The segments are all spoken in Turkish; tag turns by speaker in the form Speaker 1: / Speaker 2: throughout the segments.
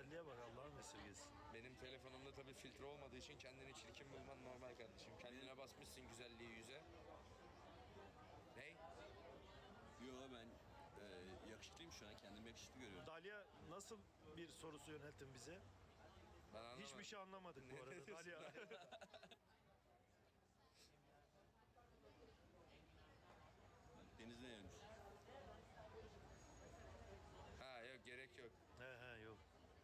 Speaker 1: güzelliğe bak, Allah'ın esirgesin.
Speaker 2: Benim telefonumda tabii filtre olmadığı için kendini çirkin bulman normal kardeşim. Kendine basmışsın güzelliği yüze. Ney?
Speaker 3: Yo ben yakışıklıyım şu an. Kendimi yakışıklı görüyorum.
Speaker 1: Dalia nasıl bir sorusu yönelttin bize?
Speaker 2: Ben anlamadım.
Speaker 1: Hiçbir şey anlamadık bu arada Dalia.
Speaker 3: Denizde yanmış.
Speaker 2: Ha yok gerek yok.
Speaker 1: He yok.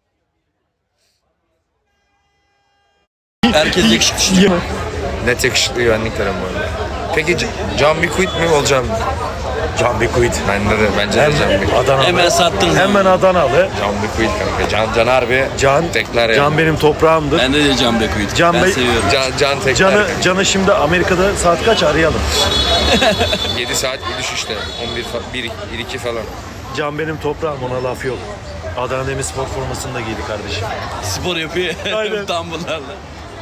Speaker 3: Herkes yakışıklı.
Speaker 2: Net yakışıklı güvenliklerim bu arada. Peki Can Bikuit mi olacağım?
Speaker 1: Can Bikuit.
Speaker 2: Bence de Can Bikuit.
Speaker 1: Adanalı.
Speaker 3: Hemen sattın.
Speaker 1: Hemen Adanalı.
Speaker 2: Can Bikuit kanka. Can harbi.
Speaker 1: Can,
Speaker 2: tekler yani.
Speaker 1: Can benim toprağımdır.
Speaker 3: Ben de Can Bekuit.
Speaker 1: Can
Speaker 3: Ben
Speaker 1: Bey-
Speaker 3: seviyorum.
Speaker 2: Can tekler.
Speaker 1: Can'ı şimdi Amerika'da saat kaç arayalım.
Speaker 2: 7 saat bir düşüş işte. 1-2 falan.
Speaker 1: Can benim toprağım, ona laf yok. Adana Demirspor formasını da giydi kardeşim.
Speaker 3: Spor yapıyor.
Speaker 1: Aynen.
Speaker 3: Tam bunlarla.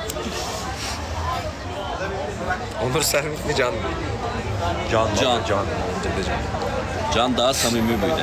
Speaker 2: Onur Sermik mi Can mı?
Speaker 1: Can.
Speaker 2: Can.
Speaker 3: Can daha samimi böyle.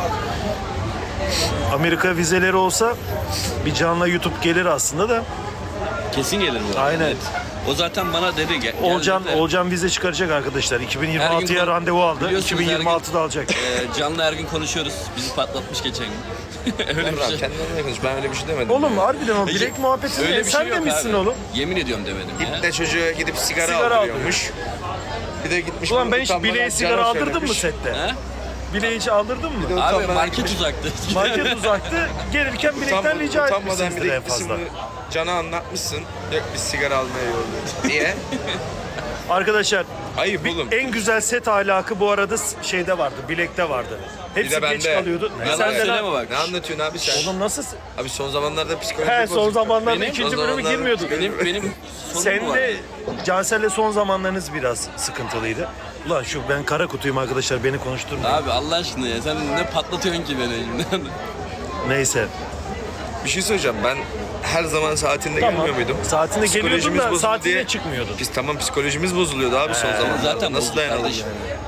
Speaker 1: Amerika vizeleri olsa bir Can'la YouTube gelir aslında da.
Speaker 3: Kesin gelir bu.
Speaker 1: Aynen.
Speaker 3: Evet. O zaten bana dedi gel.
Speaker 1: Olcan vize çıkaracak arkadaşlar.
Speaker 3: Her
Speaker 1: 2026'ya
Speaker 3: gün
Speaker 1: randevu aldı.
Speaker 3: biliyorsunuz,
Speaker 1: 2026'da alacak.
Speaker 3: Can'la her gün konuşuyoruz. Bizi patlatmış geçen gün. Öyle bir şey.
Speaker 2: Kendine konuş. Ben öyle bir şey demedim.
Speaker 1: Oğlum
Speaker 2: ya.
Speaker 1: harbiden o bilek muhabbetini
Speaker 3: Öyle bir
Speaker 1: sen
Speaker 3: şey yok
Speaker 1: demişsin
Speaker 3: abi.
Speaker 1: oğlum.
Speaker 3: Yemin ediyorum demedim ya.
Speaker 2: İpne çocuğa gidip sigara
Speaker 1: Sigara
Speaker 2: aldırıyormuş. Bir de gitmiş.
Speaker 1: Ulan ben hiç
Speaker 2: utanmadan
Speaker 1: bileğe
Speaker 2: Can'a
Speaker 1: sigara aldırdın mı
Speaker 2: söylemiş.
Speaker 1: sette?
Speaker 3: Ha?
Speaker 1: Bileğe hiç aldırdın mı?
Speaker 3: Abi
Speaker 2: Utanmadan
Speaker 3: market
Speaker 2: gitmiş.
Speaker 3: uzaktı.
Speaker 1: Market uzaktı. Gelirken bilekten rica
Speaker 2: Utanmadan bir
Speaker 1: etmişsinizdir
Speaker 2: de
Speaker 1: en
Speaker 2: gitmişsin
Speaker 1: fazla.
Speaker 2: bunu Can'a anlatmışsın. Yok biz sigara almaya yoldayız. Niye?
Speaker 1: Arkadaşlar
Speaker 2: Ayıp oğlum.
Speaker 1: en güzel set ahlakı bu arada şeyde vardı, bilekte vardı. Hepsi
Speaker 2: de
Speaker 1: geç
Speaker 2: bende.
Speaker 1: kalıyordu.
Speaker 3: Yalan
Speaker 1: Sen de
Speaker 3: söyleme
Speaker 1: lan.
Speaker 3: bak.
Speaker 2: Ne anlatıyorsun abi sen?
Speaker 1: Oğlum nasıl?
Speaker 2: Abi son zamanlarda psikolojik
Speaker 1: He son zamanlarda
Speaker 3: Benim-
Speaker 1: ikinci
Speaker 2: son
Speaker 1: bölümü
Speaker 2: zamanlarda-
Speaker 1: girmiyorduk.
Speaker 3: Benim sorunum
Speaker 1: Sen
Speaker 3: var.
Speaker 1: de Cansel'le son zamanlarınız biraz sıkıntılıydı. Ulan ben kara kutuyum arkadaşlar, beni konuşturmayın.
Speaker 3: Abi Allah aşkına ya sen ne patlatıyorsun ki beni elimden?
Speaker 1: Neyse.
Speaker 2: Bir şey söyleyeceğim. Ben her zaman saatinde
Speaker 1: Tamam.
Speaker 2: gelmiyor muydum?
Speaker 1: Saatinde geliyordun
Speaker 2: Psikolojimiz
Speaker 1: da
Speaker 2: bozuldu
Speaker 1: saatinde
Speaker 2: diye-
Speaker 1: çıkmıyordun.
Speaker 2: Biz tamam psikolojimiz bozuluyordu abi son zamanlarda.
Speaker 3: zaten
Speaker 2: Nasıl
Speaker 3: bozuk
Speaker 2: dayanalım
Speaker 3: kardeşim.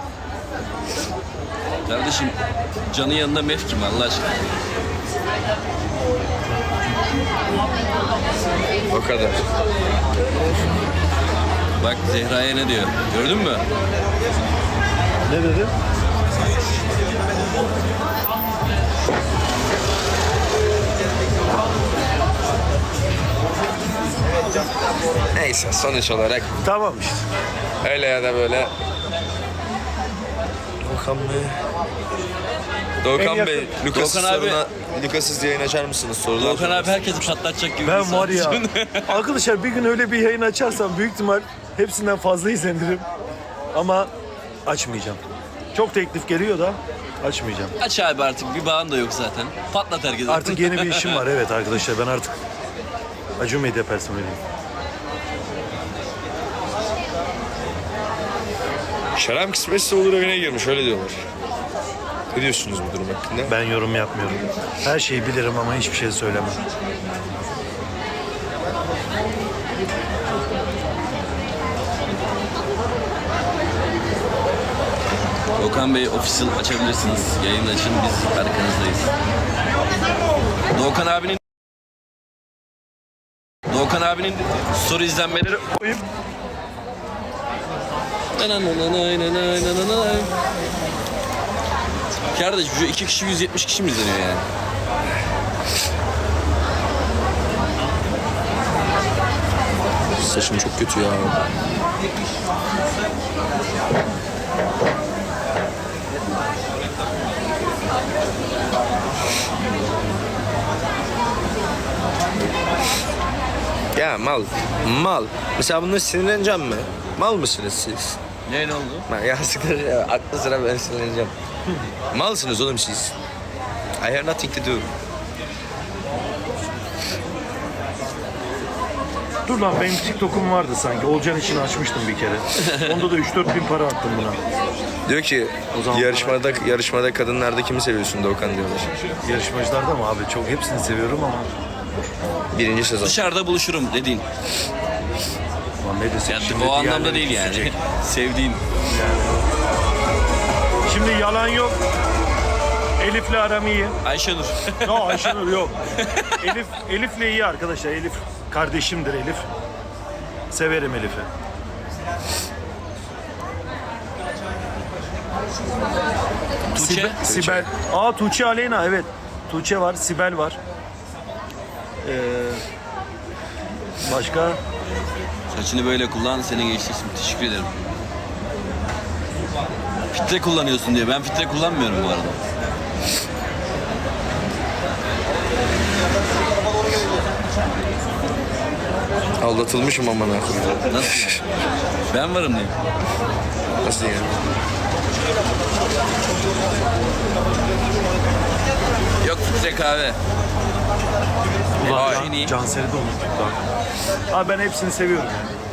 Speaker 2: yani?
Speaker 3: Kardeşim Can'ın yanında mef kim Allah aşkına?
Speaker 2: O kadar.
Speaker 3: Bak Zehra'ya ne diyor? Gördün mü?
Speaker 1: Ne dedi?
Speaker 2: Neyse sonuç olarak
Speaker 1: Tamam işte.
Speaker 2: öyle ya da böyle. Doğukan Bey. Doğukan
Speaker 1: En
Speaker 2: Bey,
Speaker 1: yakın-
Speaker 2: Lucas'ın
Speaker 3: Doğukan abi-
Speaker 2: soruna, Lucas'ız yayın açar mısınız sorular?
Speaker 3: Volkan abi herkesi patlatacak gibi.
Speaker 1: Ben
Speaker 3: bir
Speaker 1: var ya,
Speaker 3: saat.
Speaker 1: arkadaşlar bir gün öyle bir yayın açarsam büyük ihtimal hepsinden fazla izlenirim. Ama açmayacağım. Çok teklif geliyor da açmayacağım.
Speaker 3: Aç abi artık bir bağın da yok zaten. Patlat herkesi.
Speaker 1: Artık yeni bir işim var, evet arkadaşlar, ben artık Acun Medya personeliyim.
Speaker 2: Şarap kısmetse olur evine girmiş öyle diyorlar. Ne diyorsunuz bu durum hakkında?
Speaker 1: Ben yorum yapmıyorum. Her şeyi bilirim ama hiçbir şey söylemem.
Speaker 3: Doğukan Bey official açabilirsiniz. Yayın açın biz arkanızdayız. Doğukan abinin soru izlenmeleri
Speaker 1: Koyup
Speaker 3: Kardeş şu 2 kişi 170 kişi mi izleniyor yani?
Speaker 2: Saçım çok kötü ya. Ya mal. Mesela bundan sinirleneceğim mi? Mal mısınız siz?
Speaker 3: Ne oldu?
Speaker 2: Ben yazıklar ya, aklı sıra ben sinirleneceğim. Malsınız oğlum siz. I have nothing to do.
Speaker 1: dur lan, benim TikTok'um vardı sanki. Olcan için açmıştım bir kere. Onda da 3-4 bin para attım buna.
Speaker 2: Diyor ki
Speaker 1: O zaman
Speaker 2: yarışmada kadınlarda kimi seviyorsun Doğukan diyorlar.
Speaker 1: Yarışmacılarda mı abi? Çok hepsini seviyorum ama.
Speaker 2: Birinci sezon.
Speaker 3: Dışarıda buluşurum dediğin.
Speaker 1: Ulan ne desek
Speaker 3: Yani
Speaker 1: şimdi
Speaker 3: o anlamda
Speaker 1: diğerleri
Speaker 3: değil yani.
Speaker 1: küsecek.
Speaker 3: Sevdiğin.
Speaker 1: Şimdi yalan yok. Elif'le aram iyi.
Speaker 3: Ayşenur.
Speaker 1: No, Ayşenur yok. Elif'le iyi arkadaşlar. Elif kardeşimdir Elif. Severim Elif'i.
Speaker 3: Tuğçe.
Speaker 1: Sibel. Aa, Tuğçe Aleyna, evet. Tuğçe var, Sibel var. Başka?
Speaker 3: Saçını böyle kullan, seni geçeceksin. Teşekkür ederim. Filtre kullanıyorsun diye. Ben filtre kullanmıyorum bu arada.
Speaker 2: Aldatılmışım amına koyayım.
Speaker 3: Nasıl yani? Ben varım diyeyim.
Speaker 2: Nasıl yani? Yok filtre kahve.
Speaker 1: Ulan
Speaker 3: Ay, en iyi.
Speaker 1: Cansel'i de unuttuk lan. Abi ben hepsini seviyorum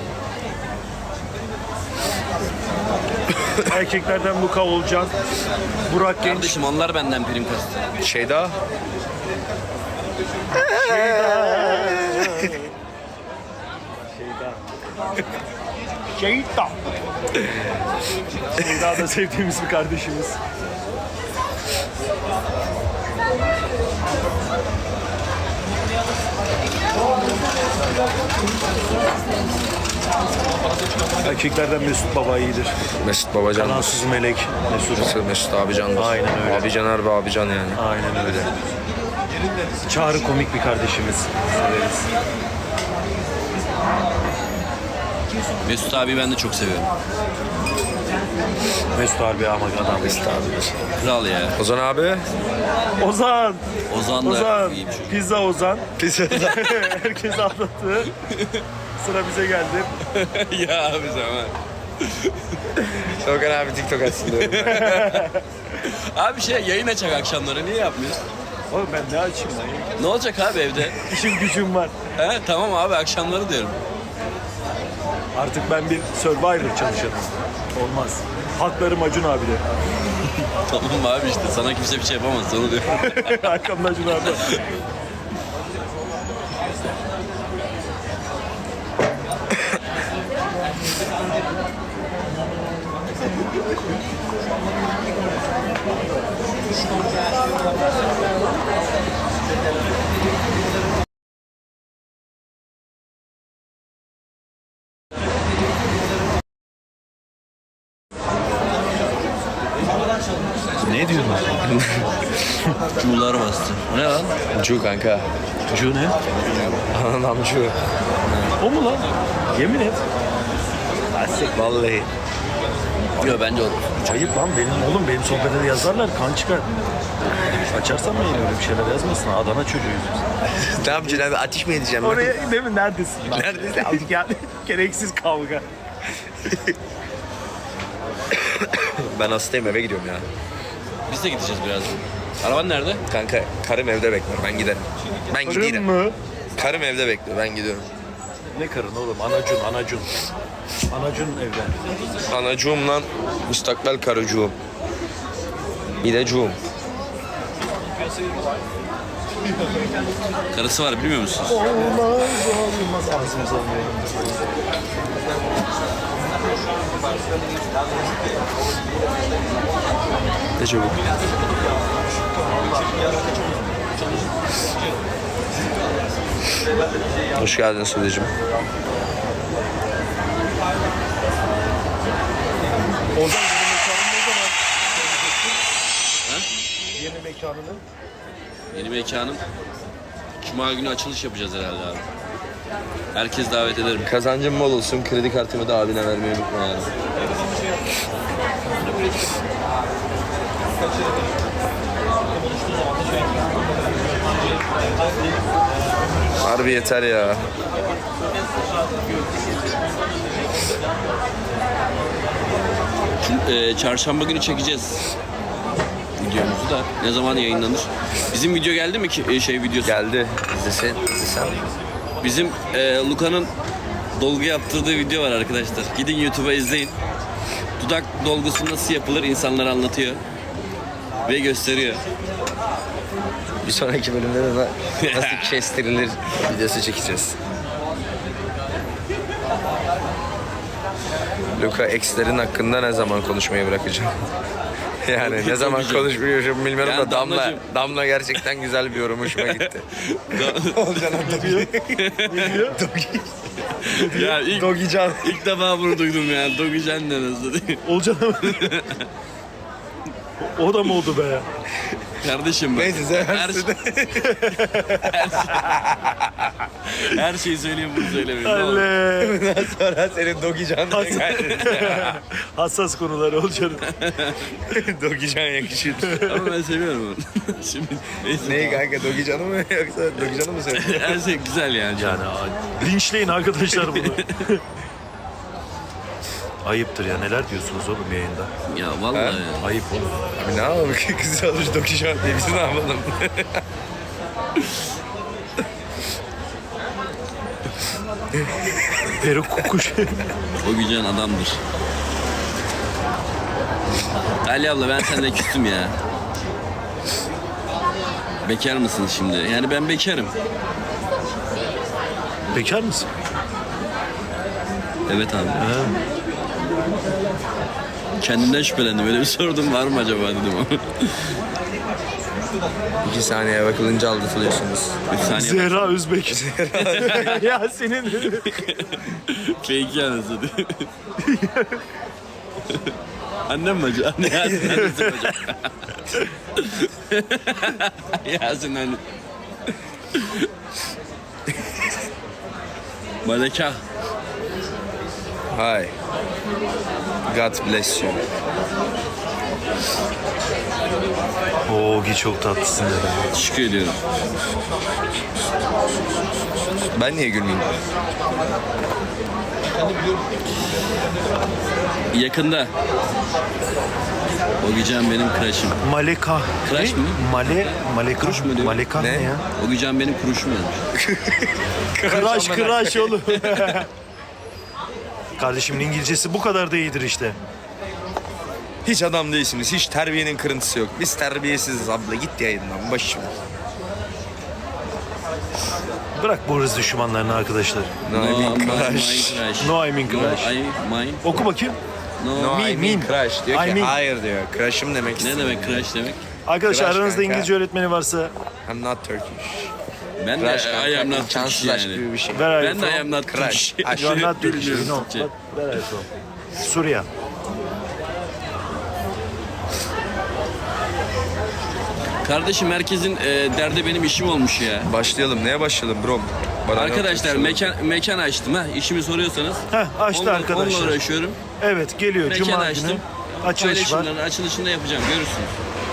Speaker 1: yani. Erkeklerden Luka Olcan, Burak Genç.
Speaker 3: Kardeşim onlar benden prim kastı.
Speaker 2: Şeyda.
Speaker 1: Şeyda. Şeyda da sevdiğimiz bir kardeşimiz. Erkeklerden Mesut Baba iyidir.
Speaker 2: Mesut Babacan.
Speaker 1: Kanansız melek Mesut.
Speaker 2: Mesut abicandır.
Speaker 1: Aynen öyle.
Speaker 2: Abican harbi abican yani.
Speaker 1: Aynen öyle. Çağrı komik bir kardeşimiz. Severiz.
Speaker 3: Mesut abi ben de çok seviyorum.
Speaker 1: Mesut harbi ama adam.
Speaker 2: Mesut abi.
Speaker 3: Kral ya.
Speaker 2: Ozan abi.
Speaker 1: Ozan.
Speaker 3: Ozan da
Speaker 1: Ozan.
Speaker 3: iyi bir çocuk.
Speaker 1: Pizza Ozan.
Speaker 2: Pis
Speaker 1: Herkes anlattı. Sıra bize geldi.
Speaker 3: Ya abi zaman.
Speaker 2: Okan abi TikTok açsın diyorum.
Speaker 3: Abi yayın açak akşamları niye yapmıyorsun?
Speaker 1: Oğlum ben ne açayım lan?
Speaker 3: Ne olacak abi evde?
Speaker 1: İşim gücüm var.
Speaker 3: He tamam abi akşamları diyorum.
Speaker 1: Artık ben bir Survivor çalışanım. Olmaz. Haklarım Acun abi de.
Speaker 3: Tamam abi işte sana kimse bir şey yapamaz onu diyorum.
Speaker 1: Arkamda Acun abi. Ne diyorsun?
Speaker 3: Çuğlar bastı. O ne lan?
Speaker 2: Cu kanka.
Speaker 1: Cu ne?
Speaker 2: Anam cu.
Speaker 1: O mu lan? Yemin et.
Speaker 2: Vallahi.
Speaker 3: Yok bence olur.
Speaker 1: Ayıp lan benim sohbete de yazarlar, kan çıkar. Açarsam mı yine öyle bir şeyler yazmasın? Adana çocuğuyuz biz.
Speaker 2: Ne yapacaksın abi? Ateş mi edeceğim?
Speaker 1: Oraya değil mi? Neredesin? Lan?
Speaker 2: Neredesin?
Speaker 1: Yani gereksiz kavga.
Speaker 2: Ben hastayım eve gidiyorum ya.
Speaker 3: Biz de gideceğiz birazdan. Araban nerede?
Speaker 2: Kanka karım evde bekliyor. Ben giderim. Ben
Speaker 1: Karın
Speaker 2: giderim.
Speaker 1: mı?
Speaker 2: Karım evde bekliyor. Ben gidiyorum.
Speaker 1: Ne karın oğlum? Anacun. Anacun evde.
Speaker 2: Anacığım lan. Müstakbel karıcığım. Bir de cuğum.
Speaker 3: Karısı var bilmiyor musunuz?
Speaker 1: Olmaz ağzımıza almayalım.
Speaker 2: Ne çabuk. Hoş geldin Sude'cim.
Speaker 1: Ozan yeni mekanını ne zaman? Yeni mekanını?
Speaker 3: Yeni mekanım. Cuma günü açılış yapacağız herhalde abi. Herkes davet ederim.
Speaker 2: Kazancım bol olsun. Kredi kartımı da abine vermeyi unutma yani. Harbi yeter ya.
Speaker 3: Çarşamba günü çekeceğiz videomuzu da. Ne zaman yayınlanır? Bizim video geldi mi ki videosu?
Speaker 2: Geldi. İzlesen.
Speaker 3: Bizim Luka'nın dolgu yaptırdığı video var arkadaşlar. Gidin YouTube'a izleyin. Dudak dolgusu nasıl yapılır insanlara anlatıyor. Ve gösteriyor.
Speaker 2: Bir sonraki bölümde de nasıl kestirilir videosu çekeceğiz. Luka ex'lerin hakkında ne zaman konuşmayı bırakacağım? Yani ne zaman
Speaker 3: Dogican.
Speaker 2: konuşmuyorum bilmiyorum
Speaker 3: Yani
Speaker 2: da Damla,
Speaker 3: Damlacığım.
Speaker 2: Damla gerçekten güzel bir yorum, hoşuma gitti. Olcan
Speaker 1: Ne diyor? Ne diyor?
Speaker 3: Ya
Speaker 2: Dogican.
Speaker 3: ilk defa bunu duydum ya. Dogican ne nasıl diye.
Speaker 1: Olcan'a mı? O da mı oldu be?
Speaker 3: Kardeşim bak.
Speaker 2: Neyse seversin.
Speaker 3: Her şeyi söyleyeyim bunu söylemeyeyim. Ne olur.
Speaker 1: Alle.
Speaker 2: Bundan sonra senin Dogican diye
Speaker 1: Hassas konular Olcan'ın.
Speaker 2: Dogican yakışır.
Speaker 3: Ama ben seviyorum onu. Şimdi neyse.
Speaker 2: Neyi kanka, Dogican'ı mı yoksa Dogican'ı mı söylüyorsun?
Speaker 3: Her şey güzel yani.
Speaker 1: Yani linçleyin arkadaşlar bunu. Ayıptır ya, neler diyorsunuz oğlum yayında?
Speaker 3: Ya vallahi ya.
Speaker 1: Ayıp oğlum.
Speaker 2: Abi ne yapalım, kız almış Dogican diye biz ne yapalım?
Speaker 1: Peruk kukuş.
Speaker 3: O gücen adamdır. Ali abla ben seninle küstüm ya. Bekar mısın şimdi? Yani ben bekarım.
Speaker 1: Bekar mısın?
Speaker 3: Evet abi. Kendimden şüphelendim. Öyle bir sordum var mı acaba dedim ama.
Speaker 2: 2 saniye bakılınca aldatılıyorsunuz.
Speaker 3: 3 saniye.
Speaker 1: Zehra Özbek. Ya senin
Speaker 3: Fake anası diye. Annem mi acaba? Anne Yasin annesi mi acaba? Yasin anne. Maleka.
Speaker 2: Hi. God bless you.
Speaker 1: Ogi çok tatlısın dedi.
Speaker 3: Teşekkür ediyorum.
Speaker 2: Ben niye gülmeyeyim?
Speaker 3: Yakında. O gücen benim crush'ım.
Speaker 1: Maleka.
Speaker 3: Tıraş
Speaker 1: Ne?
Speaker 3: mı?
Speaker 1: Maleka.
Speaker 3: Kuruş mu diyor?
Speaker 1: Maleka ne
Speaker 2: Ne?
Speaker 1: ya?
Speaker 3: O gücen benim kuruşum yazmış.
Speaker 1: Kıraş oğlum. Kardeşimin İngilizcesi bu kadar da iyidir işte.
Speaker 2: Hiç adam değilsiniz. Hiç terbiyenin kırıntısı yok. Biz terbiyesiziz abla. Git yayından. Başım.
Speaker 1: Bırak bu hırs düşmanlarını arkadaşlar.
Speaker 2: No, I mean
Speaker 3: my
Speaker 2: crush.
Speaker 3: crush.
Speaker 1: No, I mean crush.
Speaker 3: No, I mean.
Speaker 1: Oku bakayım.
Speaker 3: No.
Speaker 2: No, I mean crush. Diyor
Speaker 1: I
Speaker 2: ki
Speaker 1: mean.
Speaker 2: hayır diyor. Crush'ım demek
Speaker 3: Ne
Speaker 2: istiyor.
Speaker 3: demek crush demek?
Speaker 1: Arkadaşlar
Speaker 2: Crush
Speaker 1: aranızda
Speaker 2: kanka.
Speaker 1: İngilizce öğretmeni varsa
Speaker 2: I'm not Turkish.
Speaker 3: Ben
Speaker 2: Crush
Speaker 3: de
Speaker 2: kanka.
Speaker 3: I am not
Speaker 2: İmkansız
Speaker 3: Turkish
Speaker 2: aşk
Speaker 3: yani.
Speaker 2: gibi bir şey.
Speaker 1: where are you
Speaker 3: Ben de I
Speaker 1: from?
Speaker 3: am not
Speaker 2: Crush.
Speaker 3: Turkish.
Speaker 2: Aşk.
Speaker 1: You are not Turkish.
Speaker 3: Bilmiyorum
Speaker 1: No.
Speaker 3: Türkçe.
Speaker 1: Where are you from? Suriye.
Speaker 3: Kardeşim herkesin derdi benim işim olmuş ya.
Speaker 2: Başlayalım. Neye başlayalım bro? Bana
Speaker 3: Arkadaşlar
Speaker 2: yok.
Speaker 3: mekan açtım ha. İşimi soruyorsanız.
Speaker 1: Heh, açtı
Speaker 3: onunla
Speaker 1: arkadaşlar.
Speaker 3: uğraşıyorum.
Speaker 1: Evet geliyor
Speaker 3: Mekan
Speaker 1: Cuma
Speaker 3: açtım.
Speaker 1: günü. Açılış var.
Speaker 3: Paylaşımların açılışında yapacağım. Görürsünüz.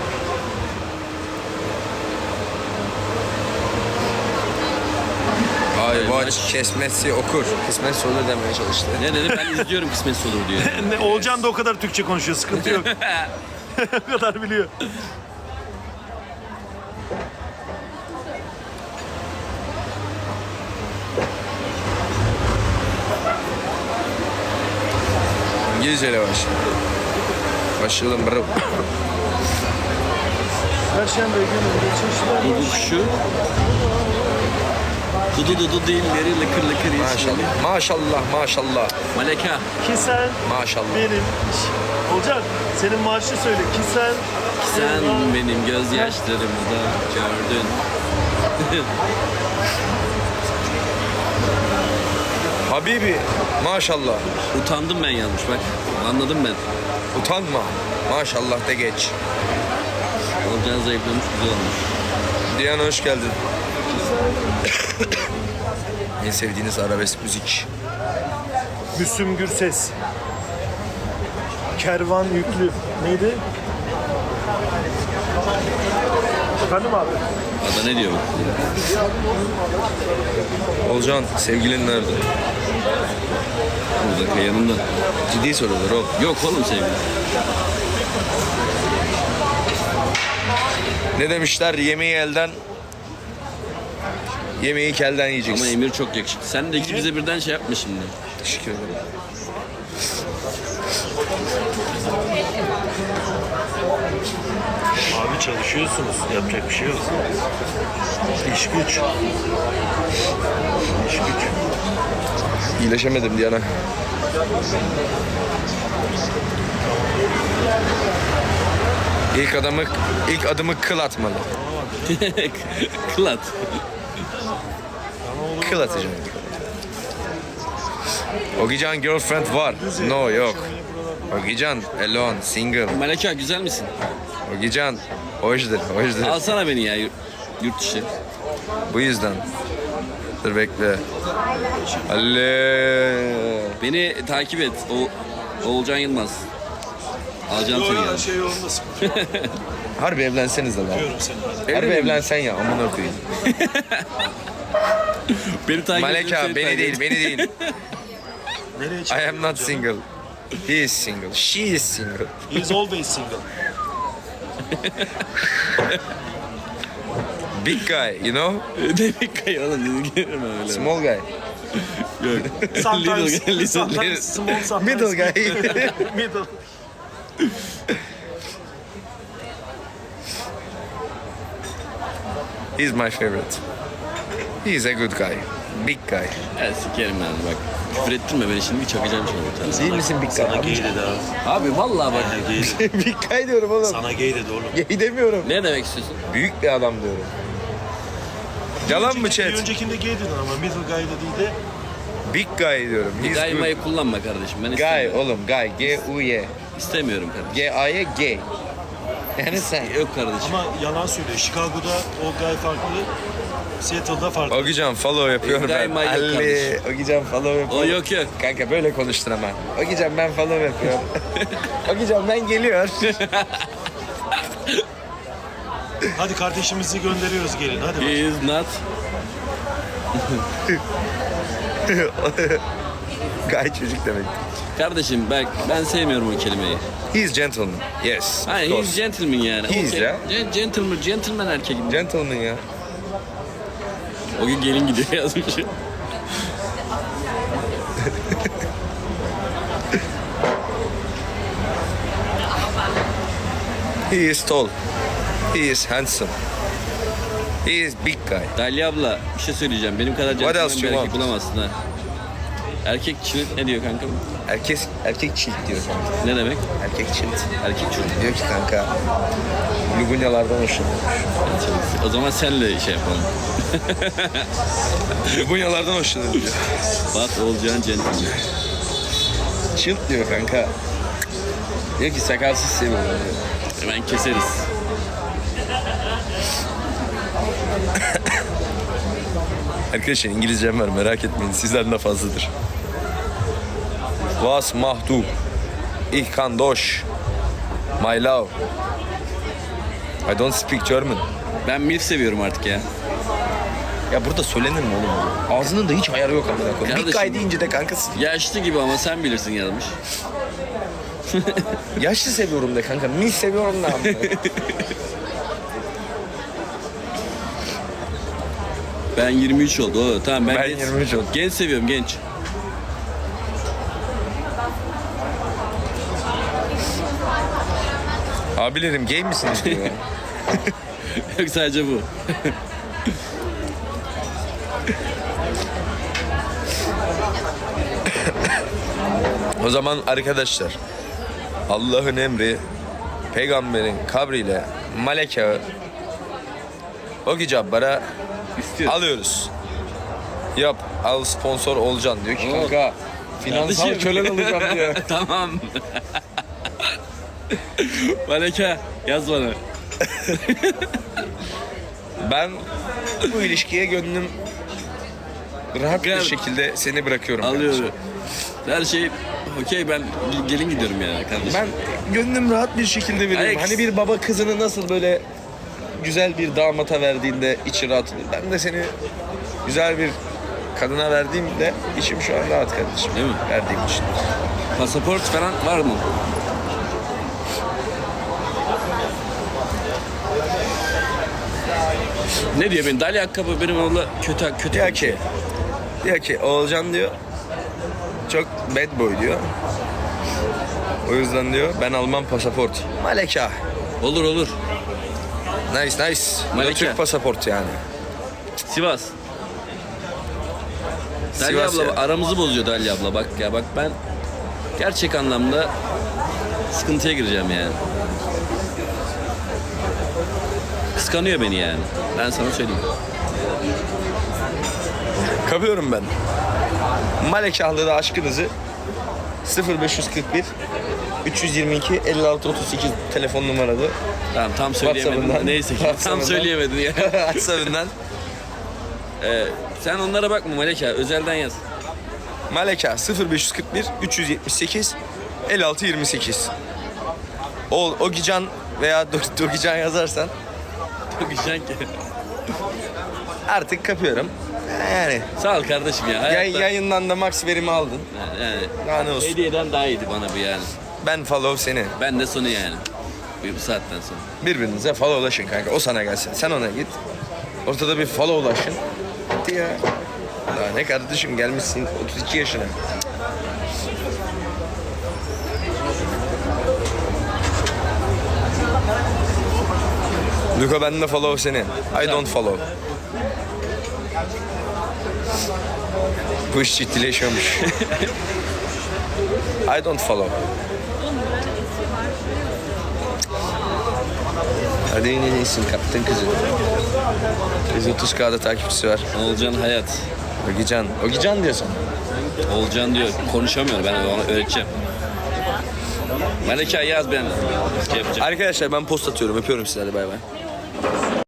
Speaker 2: Ay bu
Speaker 3: Maç.
Speaker 2: aç kesmesi okur. Kısmetse olur demeye çalıştı.
Speaker 3: Ne dedi? Ben izliyorum kısmetse olur diyor.
Speaker 1: Olcan da o kadar Türkçe konuşuyor. Sıkıntı yok. O kadar biliyor.
Speaker 2: İngilizceyle başlayalım bro.
Speaker 1: Perşembe günü geçişler.
Speaker 3: Dudu şu. Dudu dilleri lıkır lıkır yeşil.
Speaker 2: Maşallah. Maşallah. Maşallah.
Speaker 3: Maleka.
Speaker 1: Ki sen
Speaker 2: Maşallah.
Speaker 1: benim... Olcan senin marşı söyle. Ki sen...
Speaker 3: Sen benim gözyaşlarımda gördün.
Speaker 2: Habibi. Maşallah.
Speaker 3: Utandım ben yanlış bak. Anladım ben.
Speaker 2: Utanma. Maşallah de geç.
Speaker 3: Olcan zayıflamış güzel olmuş.
Speaker 2: Diyan hoş geldin. En sevdiğiniz arabesk müzik.
Speaker 1: Müslüm Gürses. Kervan yüklü. Neydi? Efendim abi?
Speaker 3: Ada ne diyor bak?
Speaker 2: Olcan sevgilin nerede?
Speaker 3: Burada yanımda.
Speaker 2: Ciddi sorular oğlum.
Speaker 3: Yok oğlum sevgilim.
Speaker 2: Ne demişler? Yemeği kelden yiyeceksin.
Speaker 3: Ama Emir çok yakışıklı. Sen de ikimize birden şey yapma şimdi.
Speaker 2: Teşekkür ederim.
Speaker 1: Abi çalışıyorsunuz. Yapacak bir şey yok. İş güç. İş güç.
Speaker 2: İyileşemedim Diyan'a. İlk adımı kıl atmalı.
Speaker 3: Kılat.
Speaker 2: Kıl atacağım. Ogican girlfriend var. No, yok. Ogican alone, single.
Speaker 3: Maleka güzel misin?
Speaker 2: Ogican hoşdur.
Speaker 3: Alsana beni ya yurt dışı.
Speaker 2: Bu yüzden. Dur bekle. Alle.
Speaker 3: Beni takip et. Oğulcan Yılmaz. Alacağım seni ya.
Speaker 1: Her şey yolunda sıkıntı.
Speaker 2: Harbi evlenseniz lan.
Speaker 1: Diyorum seni.
Speaker 2: Harbi evlensen ya amına koyayım.
Speaker 3: Beni takip et.
Speaker 2: Maleka beni değil.
Speaker 1: Nereye
Speaker 2: I
Speaker 1: çıkıyor?
Speaker 2: am not single. He is single. She is single.
Speaker 1: He is always single.
Speaker 2: Big guy, you know?
Speaker 3: Demek ki oğlum dedim öyle.
Speaker 2: Small guy.
Speaker 3: Yok.
Speaker 1: Sometimes,
Speaker 3: Little,
Speaker 1: sometimes small, sometimes
Speaker 2: Middle guy.
Speaker 1: Middle.
Speaker 2: He's my favorite. He is a good guy. Big guy.
Speaker 3: Ya sikerim ben bak. Küfür ettirme beni şimdi çakacağım sana bir tane.
Speaker 2: Değil misin big
Speaker 1: Sana
Speaker 2: guy?
Speaker 1: gay dedi abi.
Speaker 3: Abi vallahi bak.
Speaker 1: Gay dedi.
Speaker 2: Big guy diyorum oğlum.
Speaker 1: Sana gay dedi oğlum.
Speaker 2: Gay demiyorum.
Speaker 3: Ne demek istiyorsun?
Speaker 2: Büyük bir adam diyorum. Yalan mı chat?
Speaker 1: Bir öncekinde gay dedin ama middle guy dediği de
Speaker 2: Big guy diyorum. He's good.
Speaker 3: Gaymayı kullanma kardeşim. Ben
Speaker 2: Guy
Speaker 3: istemiyorum.
Speaker 2: oğlum guy. G-U-Y.
Speaker 3: İstemiyorum kardeşim.
Speaker 2: G-A-Y gay. Yani sen.
Speaker 3: Yok kardeşim.
Speaker 1: ama yalan söylüyor. Chicago'da o guy farklı. Seattle'da farklı.
Speaker 2: Ogican follow yapıyorum
Speaker 3: Guy
Speaker 2: ben.
Speaker 3: my yok
Speaker 2: Ali.
Speaker 3: kardeşim.
Speaker 2: Ogican follow
Speaker 3: O
Speaker 2: yapıyorum.
Speaker 3: yok yok.
Speaker 2: Kanka böyle konuştun ama. Ogican ben follow yapıyorum. Ogican ben geliyor.
Speaker 1: Hadi kardeşimizi gönderiyoruz gelin hadi.
Speaker 3: He is not.
Speaker 2: Guy çocuk demek.
Speaker 3: Kardeşim ben sevmiyorum o kelimeyi.
Speaker 2: He is gentleman. Yes.
Speaker 3: Hayır,
Speaker 2: of
Speaker 3: he's
Speaker 2: course.
Speaker 3: gentleman yani.
Speaker 2: He is
Speaker 3: Okey.
Speaker 2: ya.
Speaker 3: Gentleman erkeğim.
Speaker 2: Gentleman ya.
Speaker 3: O gün gelin gidiyor yazmış.
Speaker 2: He is tall. He is handsome. He is big guy.
Speaker 3: Dalya abla bir şey söyleyeceğim. Benim kadar
Speaker 2: What
Speaker 3: gentleman
Speaker 2: else
Speaker 3: bir
Speaker 2: you
Speaker 3: erkek
Speaker 2: want?
Speaker 3: bulamazsın ha. Erkek çift ne diyor kanka?
Speaker 2: Erkek çilt diyor kanka.
Speaker 3: Ne demek?
Speaker 2: Erkek çilt.
Speaker 3: Erkek çocuk.
Speaker 2: Diyor ki kanka Lugunyalardan hoşlanıyormuş.
Speaker 3: O zaman senle şey yapalım.
Speaker 2: Lugunyalardan hoşlanıyor diyor.
Speaker 3: Bak Oğulcan gentleman.
Speaker 2: Çilt diyor kanka. Diyor ki sakalsız seviyorum diyor.
Speaker 3: Hemen keseriz.
Speaker 2: Arkadaşlar İngilizcem var merak etmeyin sizden de fazladır. Was machst du? Ich kann Deutsch. My love. I don't speak German.
Speaker 3: Ben milf seviyorum artık ya.
Speaker 2: Ya burada söylenir mi oğlum? Ağzının da hiç ayarı yok amına koyayım. Big
Speaker 3: Kardeşim.
Speaker 2: guy deyince de kankası.
Speaker 3: Yaşlı gibi ama sen bilirsin yazmış.
Speaker 2: Yaşlı seviyorum de kanka. Mil seviyorum da amına.
Speaker 3: Ben 23 oldu. Oo, tamam ben,
Speaker 2: Ben 23 oldum.
Speaker 3: Genç seviyorum genç.
Speaker 2: Abilerim gay misiniz diyor.
Speaker 3: Yok sadece bu.
Speaker 2: O zaman arkadaşlar Allah'ın emri peygamberin kabriyle Maleka Ogi Cabbar'a
Speaker 3: İstiyor.
Speaker 2: alıyoruz. Yap al sponsor olacaksın diyor ki
Speaker 3: Oo.
Speaker 2: kanka finansal
Speaker 3: Kardeşim.
Speaker 2: kölen olacağım diyor.
Speaker 3: Tamam. Maleka yaz bana.
Speaker 2: Ben bu ilişkiye gönlüm rahat bir
Speaker 3: Gel.
Speaker 2: şekilde seni bırakıyorum.
Speaker 3: Alıyorum.
Speaker 2: kardeşim.
Speaker 3: Her şey okey ben gelin gidiyorum yani kardeşim.
Speaker 2: Ben gönlüm rahat bir şekilde veriyorum.
Speaker 3: Alex.
Speaker 2: Hani bir baba kızını nasıl böyle güzel bir damata verdiğinde içi rahat olur. Ben de seni güzel bir kadına verdiğimde içim şu an rahat kardeşim.
Speaker 3: Değil mi?
Speaker 2: Verdiğim için.
Speaker 3: Pasaport falan var mı? Ne diyor benim? Dalya ayakkabı benim oğla kötü.
Speaker 2: Diyor ki Oğulcan diyor çok bad boy diyor. O yüzden diyor ben Alman pasaport. Maleka.
Speaker 3: Olur.
Speaker 2: Nice. Bu da
Speaker 3: Maleka.
Speaker 2: Türk pasaport yani.
Speaker 3: Sivas. Dalya
Speaker 2: Sivas
Speaker 3: abla
Speaker 2: ya.
Speaker 3: aramızı bozuyor Dalya abla bak ya bak ben gerçek anlamda sıkıntıya gireceğim yani. kıskanıyor beni yani. Ben sana söyleyeyim.
Speaker 2: Kapıyorum ben. Malekahlı'da aşkınızı 0541 322 56 38 telefon numaralı.
Speaker 3: Tamam tam söyleyemedim.
Speaker 2: WhatsApp'ından.
Speaker 3: Neyse ki tam
Speaker 2: WhatsApp'ından.
Speaker 3: söyleyemedin ya.
Speaker 2: WhatsApp'ından.
Speaker 3: Sen onlara bakma Maleka. Özelden yaz.
Speaker 2: Maleka 0541 378 56 28. Ogican veya Dogican yazarsan
Speaker 3: Çok güzel ki.
Speaker 2: artık kapıyorum. Yani
Speaker 3: Sağ ol kardeşim ya. Hayatta,
Speaker 2: yayından da max verimi aldın.
Speaker 3: yani,
Speaker 2: Daha ne olsun.
Speaker 3: hediyeden daha iyiydi bana bu yani.
Speaker 2: Ben follow seni.
Speaker 3: Ben de sonu yani. Bu saatten sonra.
Speaker 2: Birbirinize followlaşın kanka. O sana gelsin. Sen ona git. Ortada bir followlaşın. Hadi ya. Daha ne kardeşim gelmişsin 32 yaşına. Luka ben de follow seni. I don't follow. Bu iş ciddileşiyormuş. I don't follow. Hadi yine iyisin kaptın kızı. 130K'da takipçisi var.
Speaker 3: Olcan Hayat.
Speaker 2: Ogican. Ogican diyorsun.
Speaker 3: Olcan diyor. Konuşamıyor. Ben ona öğreteceğim. Maleka yaz ben. Şey yapacağım.
Speaker 2: Arkadaşlar ben post atıyorum. Öpüyorum sizi. Hadi bay bay.